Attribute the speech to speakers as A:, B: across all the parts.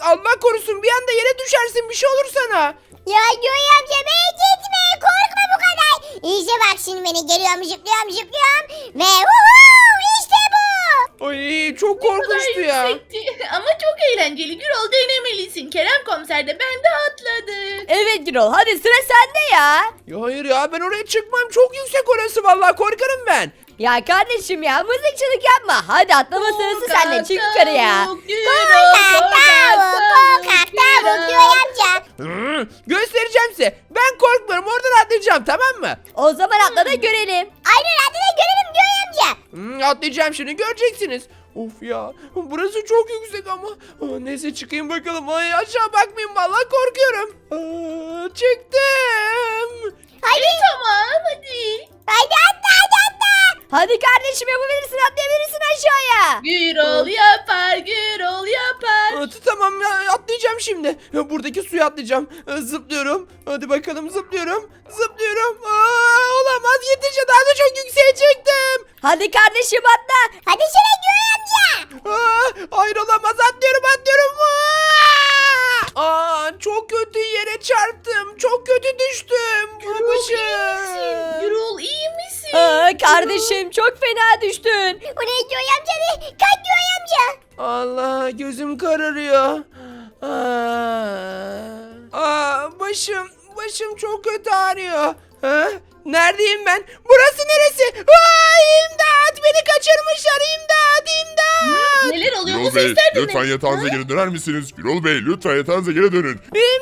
A: Allah korusun bir anda yere düşersin bir şey olur sana.
B: Ya Göğe amca beni gitme korkma bu kadar. İşte bak şimdi beni geliyorum zıplıyorum ve işte bu.
A: Ay çok korkunçtu ya.
C: Yüksekti. Ama çok eğlenceli. Gürol denemelisin. Kerem komiser de ben de atladık.
D: Evet Gürol, hadi sıra sende ya.
A: Ya hayır ya ben oraya çıkmam çok yüksek orası vallahi korkarım ben.
D: Ya kardeşim ya, mızıkçılık yapma. Hadi atlama sırası sende, çık yukarıya.
B: Korkak tavuk Göğe amca.
A: Göstereceğim size. Ben korkmuyorum oradan atlayacağım tamam mı?
D: O zaman atla da görelim.
B: Aynen hadi de görelim Göğe amca.
A: Atlayacağım şimdi göreceksiniz. Of ya burası çok yüksek ama. Neyse çıkayım bakalım. Ay aşağı bakmayayım vallahi korkuyorum. Çıktım.
B: Hadi.
C: Tamam hadi.
B: Hadi atla.
D: Hadi kardeşim, yapabilirsin, atlayabilirsin aşağıya.
C: Gürol yapar, Gürol yapar.
A: Tamam ya atlayacağım şimdi. Buradaki suya atlayacağım. Zıplıyorum. Hadi bakalım zıplıyorum. Zıplıyorum. Olamaz yeterince daha da çok yükseğe çıktım.
D: Hadi kardeşim atla.
B: Hadi şuna Göğe amca.
A: Hayır olamaz atlıyorum. Çok kötü yere çarptım. Çok kötü düştüm.
C: Gürol iyi misin?
D: Kardeşim çok fena düştün.
B: O ne Göğe amca be? Kalk Göğe amca.
A: Allah gözüm kararıyor. Başım çok kötü ağrıyor. Neredeyim ben? Burası neresi? İmdat! Beni kaçırmışlar. İmdat!
C: Neler oluyor bu
E: Gürol Bey,
C: sesler de ne?
E: lütfen yatağınıza geri döner misiniz? Gürol Bey, lütfen yatağınıza geri dönün.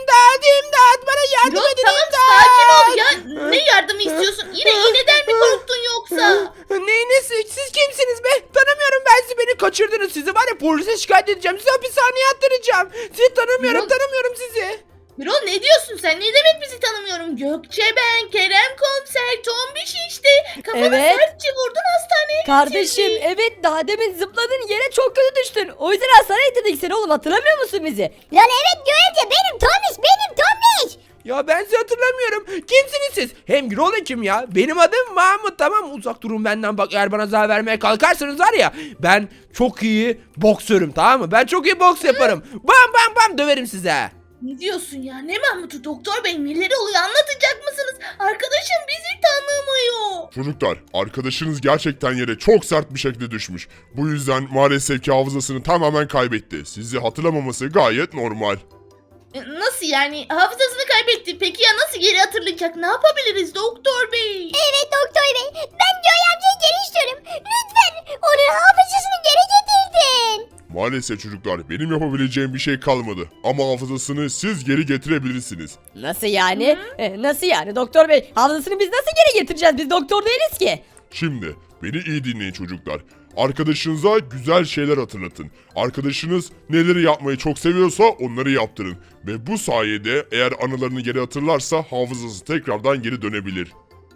A: İmdat! Bana yardım
C: Gürol
A: edin.
C: tamam sakin ol ya. Ne yardımı istiyorsun? Yine iğneden mi korktun yoksa?
A: Neyiniz? Siz kimsiniz be? Tanımıyorum ben sizi. Beni kaçırdınız. Sizi var ya polise şikayet edeceğim. Sizi hapishaneye attıracağım. Sizi tanımıyorum sizi.
C: Gürol ne diyorsun sen? Ne demek bizi tanımıyorum? Gökçe ben, Kerem komiser, Tombiş işte. Kafana
D: Evet.
C: sertçe vurdun hastaneye
D: Kardeşim
C: getirdin.
D: evet, daha demin zıpladın yere, çok kötü düştün. O yüzden hastaneye gittik seni oğlum, hatırlamıyor musun bizi?
B: Lan evet Göğe amca benim Tombiş.
A: Ya ben sizi hatırlamıyorum. Kimsiniz siz? Hem Gürol kim ya? Benim adım Mahmut tamam mı? Uzak durun benden bak eğer bana zarar vermeye kalkarsanız var ya. Ben çok iyi boksörüm tamam mı? Ben çok iyi boks yaparım. Bam döverim size.
C: Ne diyorsun ya? Ne Mahmut'u doktor bey neler oluyor anlatacak mısınız? Arkadaşım bizi tanımıyor.
E: Çocuklar, arkadaşınız gerçekten yere çok sert bir şekilde düşmüş. Bu yüzden maalesef ki hafızasını tamamen kaybetti. Sizi hatırlamaması gayet normal.
C: Nasıl yani? Hafızasını kaybetti. Peki ya nasıl geri hatırlayacak? Ne yapabiliriz doktor bey?
B: Evet doktor bey ben Göğe amcayı geri istiyorum. Lütfen onun hafızasını geri getirdin.
E: Maalesef çocuklar, benim yapabileceğim bir şey kalmadı. Ama hafızasını siz geri getirebilirsiniz.
D: Nasıl yani? Nasıl yani doktor bey? Hafızasını biz nasıl geri getireceğiz? Biz doktor değiliz ki.
E: Şimdi, beni iyi dinleyin çocuklar. Arkadaşınıza güzel şeyler hatırlatın. Arkadaşınız neleri yapmayı çok seviyorsa onları yaptırın. Ve bu sayede eğer anılarını geri hatırlarsa hafızası tekrardan geri dönebilir.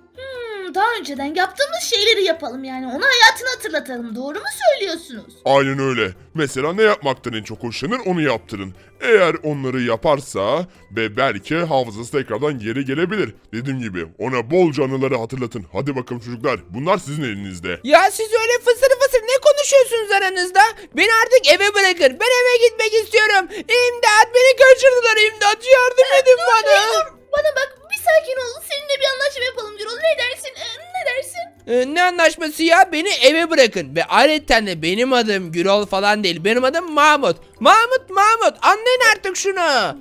C: Daha önceden yaptığımız şeyleri yapalım yani. Ona hayatını hatırlatalım. Doğru mu söylüyorsunuz?
E: Aynen öyle. Mesela ne yapmaktan en çok hoşlanır onu yaptırın. Eğer onları yaparsa ve belki hafızası tekrardan geri gelebilir. Dediğim gibi ona bolca anıları hatırlatın. Hadi bakalım çocuklar, bunlar sizin elinizde.
A: Ya siz öyle fısır ne konuşuyorsunuz aranızda? Beni artık eve bırakın. Ben eve gitmek istiyorum. İmdat beni kaçırdılar imdat. Yardım edin bana.
C: Bana bak bir sakin ol. Seninle bir anlaşma yapalım Gürol. Ne dersin? Ne dersin?
A: Ne anlaşması ya? Beni eve bırakın. Ve ayrıca de benim adım Gürol falan değil. Benim adım Mahmut. Mahmut. Anlayın artık şunu.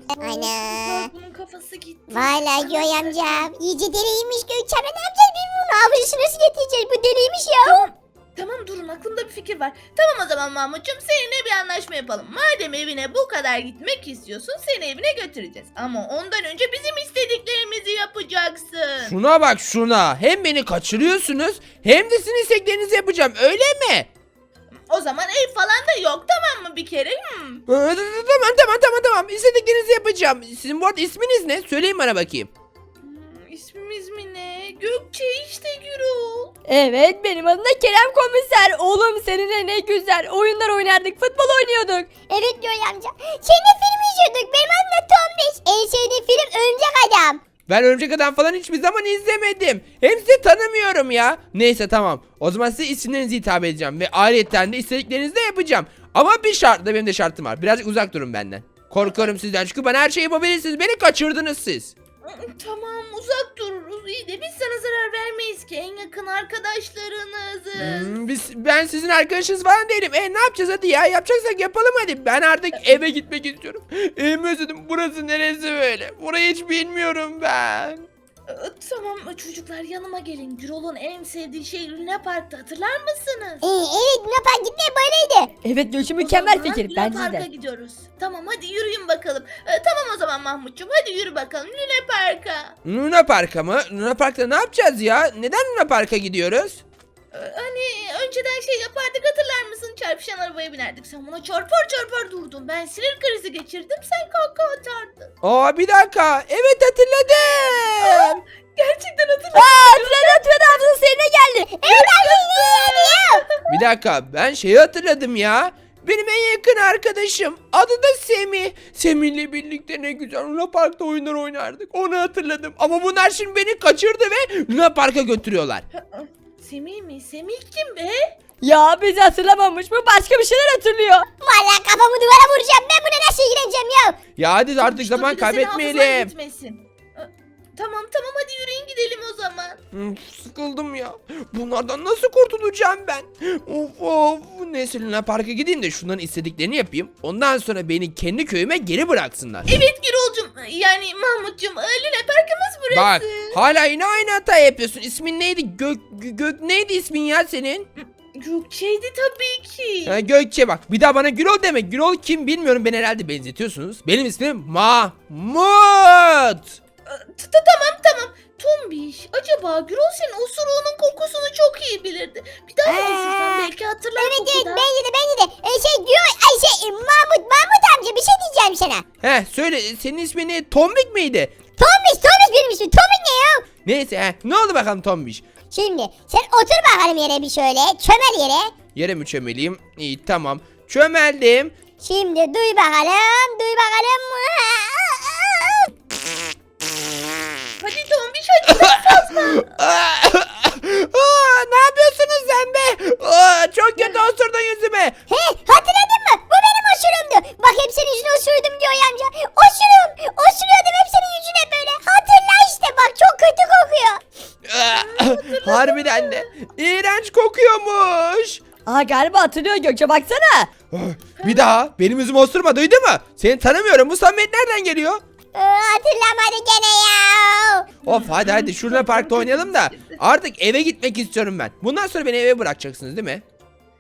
B: Ana.
C: Bunun kafası gitti.
B: Valla Göğe amca iyice deliymiş Gökçe amca ne yapacağız biz bunun hafızasını nasıl getireceğiz bu deliymiş ya.
C: Tamam durun aklımda bir fikir var. Tamam o zaman Mahmut'cum seninle bir anlaşma yapalım. Madem evine bu kadar gitmek istiyorsun seni evine götüreceğiz. Ama ondan önce bizim istediklerimizi yapacaksın.
A: Şuna bak şuna. Hem beni kaçırıyorsunuz hem de sizin isteklerinizi yapacağım. Öyle mi?
C: O zaman ev falan da yok tamam mı bir kere?
A: Tamam. İstediklerinizi yapacağım. Sizin bu arada isminiz ne? Söyleyin bana bakayım.
C: İsmimiz mi ne? Gökçe işte Gürol.
D: Evet, benim adım da Kerem komiser. Oğlum seninle ne güzel oyunlar oynardık, futbol oynuyorduk.
B: Evet Göğe amca seninle film izliyorduk benim adım da Tombiş. En sevdiğim film Örümcek Adam.
A: Ben Örümcek Adam falan hiçbir zaman izlemedim. Hem sizi tanımıyorum ya. Neyse tamam. O zaman size isimlerinizi hitap edeceğim. Ve ayrıca de istediklerinizi de yapacağım. Ama bir şartla benim de şartım var. Birazcık uzak durun benden. Korkarım sizden çünkü bana her şeyi yapabilirsiniz. Beni kaçırdınız siz.
C: Tamam uzak dururuz. İyi de biz sana zarar vermeyiz ki. En yakın arkadaşlarınızız.
A: Ben sizin arkadaşınız falan değilim. Ne yapacağız hadi ya? Yapacaksak yapalım hadi. Ben artık eve gitmek istiyorum. Evimi özledim. Burası neresi böyle? Burayı hiç bilmiyorum ben.
C: Tamam çocuklar yanıma gelin. Gürol'un en sevdiği şey Luna Park'ta, hatırlar mısınız?
B: Evet Luna Park gitmeye böyleydi.
D: Evet Gökçe
C: O
D: mükemmel
C: zaman
D: fikir.
C: Luna
D: Bence
C: Park'a
D: de.
C: gidiyoruz. Tamam hadi yürüyün bakalım. Tamam o zaman Mahmutcuğum, hadi yürü bakalım Luna Park'a.
A: Luna Park'a mı? Luna Park'ta ne yapacağız ya? Neden Luna Park'a gidiyoruz?
C: Hani önceden şey yapardık, hatırlar mısın? Çarpışan arabaya binerdik. Sen buna çarpar çarpar durdun. Ben sinir krizi geçirdim. Sen kahkaha atardın.
A: Bir dakika. Evet hatırladım.
C: Gerçekten hatırladım.
D: Hatırladı abla seninle geldi.
B: Evet abi
A: Bir dakika. Ben şeyi hatırladım ya. Benim en yakın arkadaşım. Adı da Semih. Semih'le birlikte ne güzel Luna Park'ta oyunlar oynardık. Onu hatırladım. Ama bunlar şimdi beni kaçırdı ve Luna Park'a götürüyorlar.
C: Semih mi? Semih kim be?
D: Ya bizi hatırlamamış. Bu başka bir şeyler hatırlıyor.
B: Valla kafamı duvara vuracağım. Ben buna nasıl ilgileneceğim ya?
A: Ya hadi artık
C: Sonuçta
A: zaman
C: bir de senin hafızan
A: kaybetmeyelim.
C: gitmesin. Tamam tamam hadi yürüyün gidelim o zaman.
A: Sıkıldım ya. Bunlardan nasıl kurtulacağım ben? Of. Neyse Luna Park'a gideyim de şunların istediklerini yapayım. Ondan sonra beni kendi köyüme geri bıraksınlar.
C: Evet Gürol'cum, yani Mahmut'cum, Luna Park'ımız burası.
A: Bak hala yine aynı hata yapıyorsun. İsmin neydi? Gök neydi ismin ya senin?
C: Gökçe'ydi tabii ki.
A: Gökçe bak. Bir daha bana Gürol deme. Gürol kim bilmiyorum. Beni herhalde benzetiyorsunuz. Benim ismim Mahmut.
C: Tamam. Tombiş, acaba Gürol senin osuruğunun kokusunu çok iyi bilirdi. Bir daha osursan belki hatırlar
B: Evet
C: kokudan.
B: bence de. Mahmut amca bir şey diyeceğim sana.
A: Söyle senin ismin ne? Tombik miydi?
B: Tombiş benim ismim. Tombik ne ya?
A: Neyse ne oldu bakalım Tombiş?
B: Şimdi sen otur bakalım yere bir şöyle. Çömel yere.
A: Yere mi çömeleyim? İyi tamam. Çömeldim.
B: Şimdi duy bakalım.
C: Hadi Tombiş hadi.
A: Ne yapıyorsunuz sen be? Çok kötü osurdun yüzüme.
B: He hatırladın mı? Bu benim osurumdu. Bak hep senin yüzüne osurdum diyor ya amca. Osuruyordum hep senin yüzüne böyle. Hatırla işte bak çok kötü kokuyor.
A: Harbiden de. İğrenç kokuyormuş.
D: Galiba hatırlıyor Gökçe baksana.
A: Bir daha benim yüzümü osurma duydu mu? Seni tanımıyorum. Bu samimiyet nereden geliyor?
B: Hatırlamadı gene ya.
A: Of hadi şurada parkta oynayalım da artık eve gitmek istiyorum ben. Bundan sonra beni eve bırakacaksınız değil mi?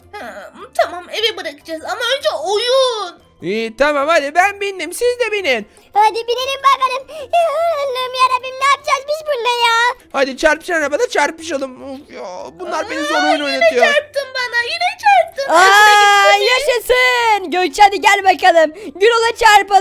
C: Tamam eve bırakacağız ama önce oyun.
A: İyi tamam hadi ben bindim siz de binin.
B: Hadi binelim bakalım. Allah'ım yarabbim ne yapacağız biz bununla ya?
A: Hadi çarpışan arabada çarpışalım. Of ya bunlar beni zor oyun oynatıyor.
C: Çarptın bana, yine çarptın.
D: Yaşasın. Gökçe hadi gel bakalım. Gürol'a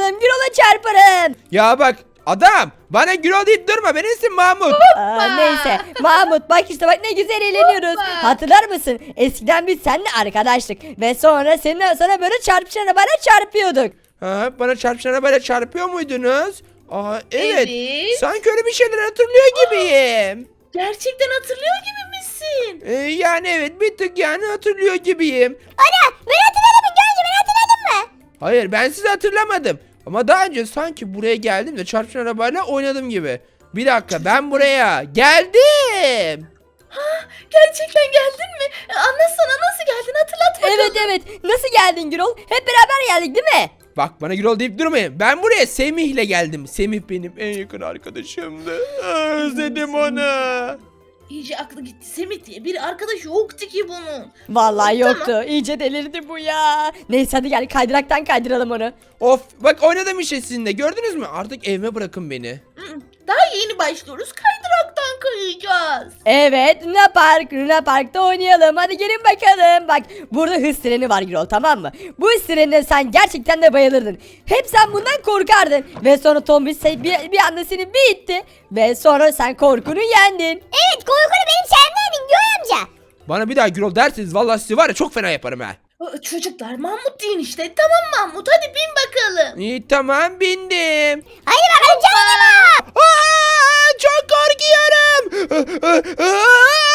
D: çarpalım.
A: Ya bak adam bana Gürol deyip durma benim ismim Mahmut.
D: Neyse Mahmut bak işte bak ne güzel eğleniyoruz.
C: Hoppa.
D: Hatırlar mısın? Eskiden biz seninle arkadaştık. Ve sonra sana böyle çarpışan arabayla çarpıyorduk.
A: Bana çarpışan arabayla çarpıyor muydunuz? Evet.
C: Evet.
A: Sanki öyle bir şeyler hatırlıyor gibiyim.
C: Gerçekten hatırlıyor gibi misin?
A: Yani evet bir tık yani hatırlıyor gibiyim.
B: Ana ben hatırladım mı? Görünce ben hatırladın mı?
A: Hayır ben sizi hatırlamadım. Ama daha önce sanki buraya geldim de çarpışan arabayla oynadım gibi. Bir dakika ben buraya geldim.
C: Gerçekten geldin mi? Anlatsana, nasıl geldin, hatırlat bakalım.
D: Evet nasıl geldin Gürol? Hep beraber geldik değil mi?
A: Bak bana Gürol deyip durmayın. Ben buraya Semih'le geldim. Semih benim en yakın arkadaşımdı. Özledim onu.
C: İyice aklı gitti. Semih diye bir arkadaş yoktu ki bunun.
D: Vallahi
C: Tamam.
D: yoktu. İyice delirdi bu ya. Neyse hadi gel kaydıraktan kaydıralım onu.
A: Of bak oynadım işte sizinle gördünüz mü? Artık evime bırakın beni.
C: Daha yeni başlıyoruz. Kaydıraktan kayacağız.
D: Evet Luna Park'ta oynayalım. Hadi gelin bakalım. Bak burada hız treni var Gürol, tamam mı? Bu hız trenine sen gerçekten de bayılırdın. Hep sen bundan korkardın. Ve sonra Tombiş bir anda seni bir itti. Ve sonra sen korkunu yendin.
B: Evet korkunu benim sevmedin Göğe amca.
A: Bana bir daha Gürol derseniz vallahi sizi var ya çok fena yaparım ha.
C: Çocuklar Mahmut deyin işte. Tamam Mahmut hadi bin bakalım.
A: İyi tamam bindim.
B: Hadi bakalım canım.
A: Çok korkuyorum.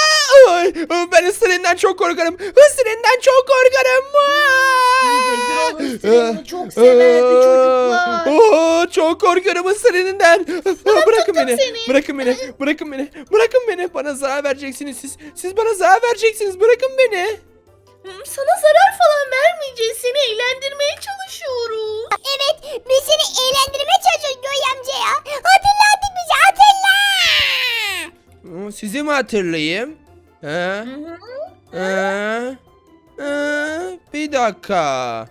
A: Ay, ben ısırığından çok korkarım. Isırığından çok korkarım.
C: Gürol ısırığını çok severdi çocuklar.
A: Çok korkuyorum ısırığından. Bırakın beni.
C: seni.
A: Bırakın beni. Bırakın beni. Bırakın beni. Bana zarar vereceksiniz siz. Siz bana zarar vereceksiniz. Bırakın beni.
C: Sana zarar falan vermeyeceğiz. Seni eğlendirmeye çalışıyoruz.
B: Evet biz seni eğlendirmeye çalışıyoruz Göğe amca ya. Hatırla artık bizi hatırla.
A: Sizi mi hatırlayayım? He? Bir dakika.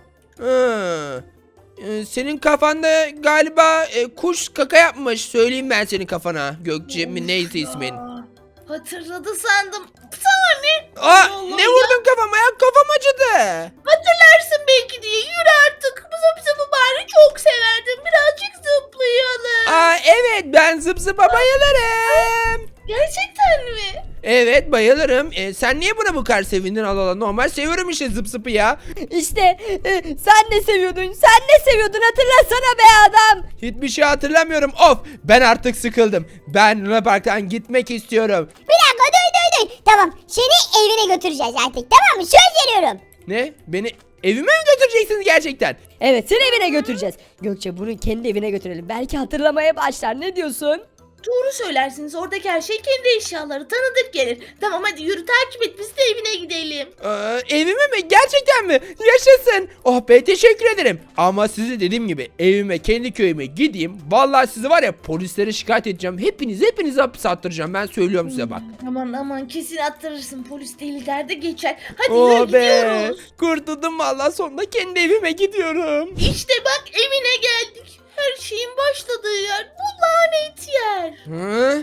A: Senin kafanda galiba kuş kaka yapmış. Söyleyeyim ben senin kafana. Gökçe mi neyse ismin.
C: Hatırladı sandım. Sana ne?
A: Aa,
C: Allah
A: ne
C: ya.
A: vurdun kafama ya? Kafam acıdı.
C: Hatırlarsın belki diye. Yürü artık. Bu zıp zıpı bari çok severdim. Birazcık zıplayalım.
A: Aa, evet ben zıp zıpa bayılırım.
C: Gerçekten mi?
A: Evet bayılırım. Sen niye buna bu kadar sevindin? Allah Allah, normal seviyorum işte zıp zıpı ya.
D: İşte sen ne seviyordun? Sen ne seviyordun? Hatırlasana be adam.
A: Hiçbir şey hatırlamıyorum. Of, ben artık sıkıldım. Ben Luna Park'tan gitmek istiyorum.
B: Bir dakika dur. Tamam seni evine götüreceğiz artık tamam mı? Söz veriyorum.
A: Ne? Beni evime mi götüreceksiniz gerçekten?
D: Evet seni evine götüreceğiz. Gökçe bunu kendi evine götürelim. Belki hatırlamaya başlar. Ne diyorsun?
C: Doğru söylersiniz. Oradaki her şey kendi eşyaları. Tanıdık gelir. Tamam hadi yürü takip et. Biz de evine gidelim.
A: Evime mi? Gerçekten mi? Yaşasın. Oh be, teşekkür ederim. Ama size dediğim gibi evime, kendi köyüme gideyim. Vallahi sizi var ya polislere şikayet edeceğim. Hepinizi hapse attıracağım. Ben söylüyorum size bak.
C: Aman kesin attırırsın. Polis deli derdi geçer. Hadi
A: Oh
C: yürü
A: be.
C: gidiyoruz.
A: Kurtuldum vallahi, sonunda kendi evime gidiyorum.
C: İşte bak evine geldik. Her şeyin başladığı yer. Bu lanet yer.
A: Hı?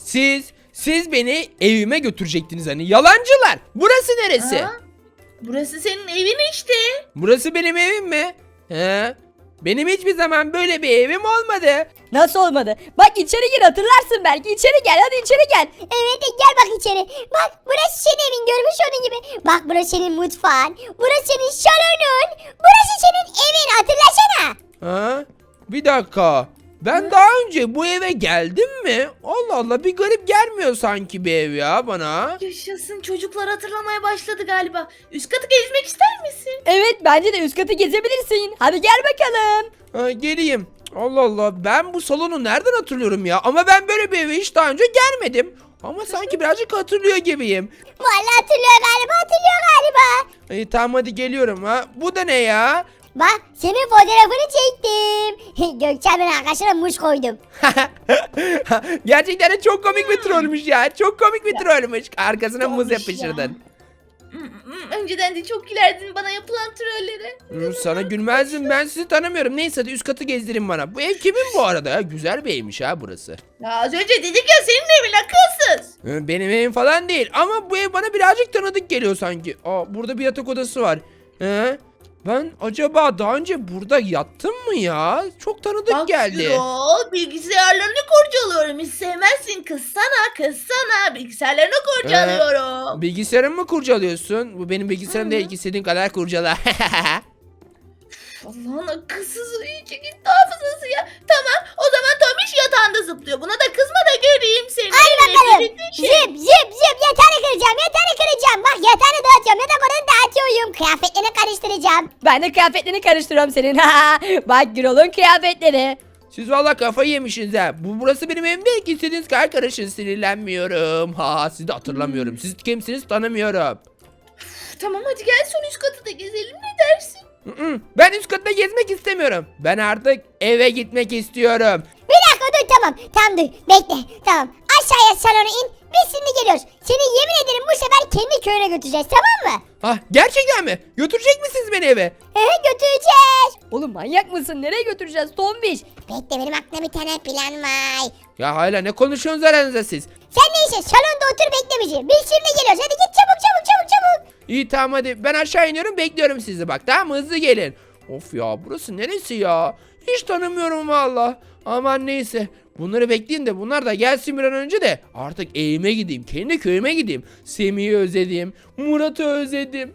A: Siz beni evime götürecektiniz hani, yalancılar. Burası neresi?
C: Ha? Burası senin evin işte.
A: Burası benim evim mi? He? Benim hiçbir zaman böyle bir evim olmadı.
D: Nasıl olmadı? Bak içeri gir, hatırlarsın belki. İçeri gel, hadi içeri gel.
B: Evet gel bak içeri. Bak burası senin evin görmüş olduğun gibi. Bak burası senin mutfağın. Burası senin salonun. Burası senin evin hatırlasana.
A: Ha? Bir dakika. Ben daha önce bu eve geldim mi? Allah Allah, bir garip gelmiyor sanki bir ev ya bana.
C: Yaşasın, çocuklar hatırlamaya başladı galiba. Üst katı gezmek ister misin?
D: Evet bence de üst katı gezebilirsin. Hadi gel bakalım.
A: Ha, geleyim. Allah Allah, ben bu salonu nereden hatırlıyorum ya? Ama ben böyle bir eve hiç daha önce gelmedim. Ama sanki birazcık hatırlıyor gibiyim.
B: Vallahi hatırlıyor galiba.
A: Tamam hadi geliyorum ha. Bu da ne ya?
B: Bak senin fotoğrafını çektim. Gökçen'in arkadaşına muz koydum.
A: Gerçekten de çok komik bir trollmüş ya. Çok komik bir trollmüş. Arkasına muz
C: Olmuş
A: yapıştırdın.
C: Önceden de çok gülerdin bana yapılan trollere.
A: Sana gülmezdim, ben sizi tanımıyorum. Neyse hadi üst katı gezdirin bana. Bu ev kimin bu arada ya? Güzel bir evmiş ha burası.
C: Ya az önce dedik ya senin evin akılsız.
A: Benim evim falan değil ama bu ev bana birazcık tanıdık geliyor sanki. Aa, burada bir yatak odası var. Ben acaba daha önce burada yattım mı ya? Çok tanıdık
C: Bak
A: geldi.
C: Gürol, bilgisayarlarını kurcalıyorum. Hiç sevmezsin, kızsana. Bilgisayarlarını kurcalıyorum.
A: Bilgisayarımı mı kurcalıyorsun? Bu benim bilgisayarım değil ki, istediğin kadar kurcala.
C: Allah'ın akılsızı iyice gitti hafızası ya. Tamam o zaman Tomiş yatağında zıplıyor. Buna da kızma da göreyim seni.
B: Hadi bakalım.
C: Şey.
B: Zıp yatağını kıracağım. Bak yatağını dağıtıyorum. Yatak odanı dağıtıyorum. Kıyafetlerini karıştıracağım.
D: Ben de kıyafetlerini karıştırıyorum senin. Bak Gürol'un kıyafetleri.
A: Siz valla kafayı yemişsiniz ha. Burası benim evim değil ki, istediğiniz kadar karışın, sinirlenmiyorum. Sizi de hatırlamıyorum. Siz kimsiniz tanımıyorum.
C: Tamam hadi gel son üst katı da gezelim, ne dersin?
A: Ben üst katta gezmek istemiyorum. Ben artık eve gitmek istiyorum.
B: Bir dakika dur tamam. Tamam dur bekle. Tamam aşağıya salona in. Biz şimdi geliyoruz. Seni yemin ederim bu sefer kendi köyüne götüreceğiz tamam mı?
A: Gerçekten mi? Götürecek misiniz beni eve?
B: Götüreceğiz.
D: Oğlum manyak mısın? Nereye götüreceğiz Tombiş?
B: Bekle benim aklımda bir tane plan var.
A: Ya hala ne konuşuyorsunuz aranızda siz?
B: Sen neyse salonda otur bekle bizi. Biz şimdi geliyoruz. Hadi git çabuk.
A: İyi tamam hadi, ben aşağı iniyorum, bekliyorum sizi bak, tamam mı? Hızlı gelin. Of ya, burası neresi ya? Hiç tanımıyorum valla. Aman neyse, bunları bekleyin de bunlar da gelsin bir an önce de artık evime gideyim, kendi köyüme gideyim. Semih'i özledim, Murat'ı özledim.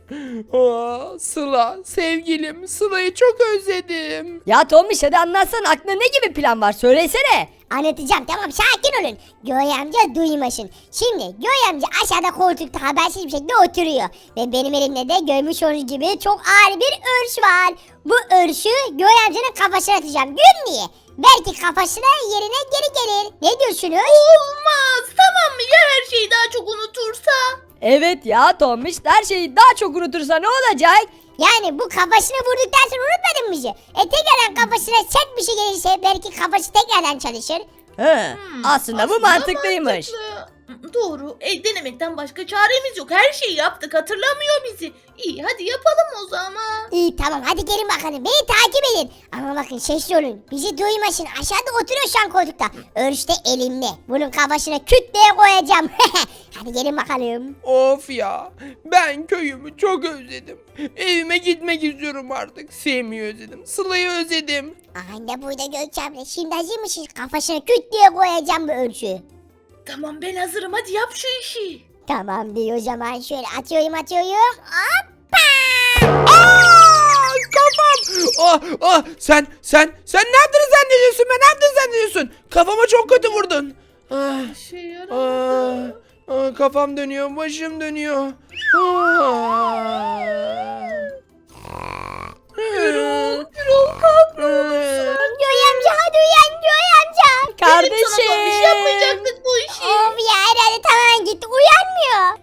A: Sıla, sevgilim Sıla'yı çok özledim.
D: Ya Tombiş hadi anlatsana, aklında ne gibi plan var? Söylesene.
B: Anlatacağım tamam sakin olun. Göğe amca duymasın. Şimdi Göğe amca aşağıda koltukta habersiz bir şekilde oturuyor. Ve benim elimde de görmüş olduğunuz gibi çok ağır bir örs var. Bu örsü Göğe amcanın kafasına atacağım. Gül niye? Belki kafasına yerine geri gelir. Ne diyorsunuz?
C: Olmaz. Tamam mı? Ya her şeyi daha çok unutursa?
D: Evet ya Tombiş, her şeyi daha çok unutursa ne olacak?
B: Yani bu kafasına vurduktan sonra unutmadın mı bizi? Tekrardan kafasına sert bir şey gelirse belki kafası tekrardan çalışır.
D: He, aslında bu mantıklıymış.
C: mantıklı. Doğru. Denemekten başka çaremiz yok. Her şeyi yaptık. Hatırlamıyor bizi. İyi hadi yapalım o zaman.
B: İyi tamam hadi gelin bakalım beni takip edin. Ama bakın sesli olun bizi duymasın aşağıda oturuyor şu an koltukta. Örüş de elimde bunun kafasına küt diye koyacağım. Hadi gelin bakalım.
A: Of ya, ben köyümü çok özledim. Evime gitmek istiyorum artık. Semih'i özledim, Sıla'yı özledim.
B: Anne burada Gökçem'le şimdi hazır mısınız? Kafasına küt diye koyacağım bu örüşü.
C: Tamam ben hazırım. Hadi yap şu işi.
B: Tamam diyor o zaman şöyle atıyorum. Hoppa!
A: Kafam! Sen ne yaptığını zannediyorsun be? Ne yaptığını zannediyorsun? Kafama çok kötü vurdun. Ah,
C: Bir şey yaramadı.
A: kafam dönüyor, başım dönüyor.
C: Gürol kalk.
B: Göğe amca hadi uyan Göğe amca.
C: Dedim sana Tombiş
D: Kardeşim.
C: yapmayacaktık bu işi.
B: Of ya herhalde tamamen gitti uyanmıyor.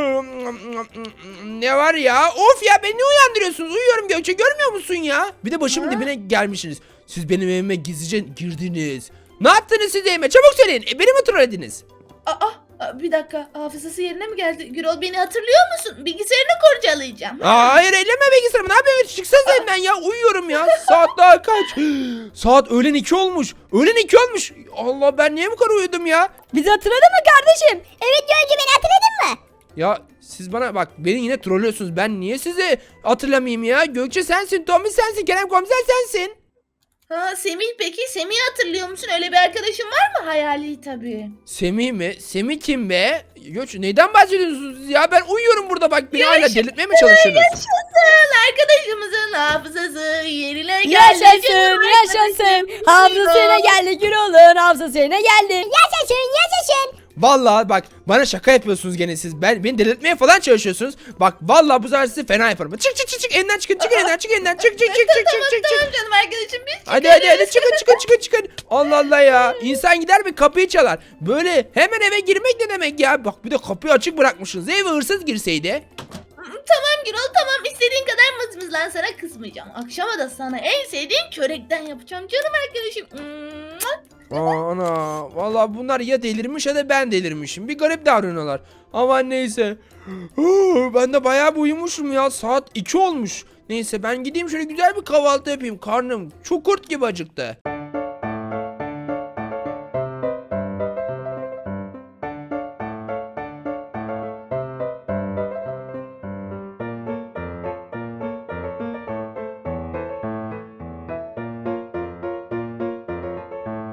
A: Ne var ya? Of ya, beni ne uyandırıyorsunuz? Uyuyorum Gökçe, görmüyor musun ya? Bir de başımın dibine gelmişsiniz. Siz benim evime gizlice girdiniz. Ne yaptınız siz evime? Çabuk söyleyin. Beni mi trollediniz?
C: Bir dakika. Hafızası yerine mi geldi? Gürol beni hatırlıyor musun? Bilgisayarını kurcalayacağım.
A: Hayır, elleme bilgisayarımı. Ne yapıyorsun? Çıksanıza evden ya. Uyuyorum ya. Saat daha kaç? Saat öğlen 2 olmuş. Öğlen 2 olmuş. Allah, ben niye bu kadar uyudum ya?
D: Bizi hatırladın mı kardeşim?
B: Evet Göğe amca beni hatırladın mı?
A: Ya siz bana bak, beni yine trollüyorsunuz. Ben niye sizi hatırlamayayım ya? Gökçe sensin, Tommy sensin, Kerem komiser sensin.
C: Semih peki? Semih'i hatırlıyor musun? Öyle bir arkadaşın var mı? Hayali tabii.
A: Semih mi? Semih kim be? Gökçe neyden bahsediyorsunuz siz ya? Ben uyuyorum burada, bak beni hala delirtmeye mi çalışıyorsunuz?
C: Yaşasın arkadaşımızın hafızası yerine geldi.
D: Yaşasın,
C: Canım
D: yaşasın.
C: arkadaşım.
D: Hafızasına geldi Gürol'un, hafızasına geldi.
B: Yaşasın.
A: Vallahi bak, bana şaka yapıyorsunuz gene siz. Beni delirtmeye falan çalışıyorsunuz. Bak vallahi bu sefer sizi fena yaparım. Çık evden çıkın, çık evden, çık evden, çık.
C: Tamam canım arkadaşım biz
A: Hadi çıkın. Allah Allah ya. İnsan gider bir kapıyı çalar. Böyle hemen eve girmek ne demek ya? Bak bir de kapıyı açık bırakmışsınız. Eve hırsız girseydi.
C: Tamam Gürol tamam istediğin kadar mızmızlan sana kızmayacağım. Akşama da sana en sevdiğin çörekten yapacağım canım arkadaşım.
A: Ana vallahi bunlar ya delirmiş ya da ben delirmişim. Bir garip davranıyorlar. Ama neyse. Ben de bayağı bir uyumuşum ya. Saat 2 olmuş. Neyse ben gideyim şöyle güzel bir kahvaltı yapayım. Karnım çok kurt gibi acıktı.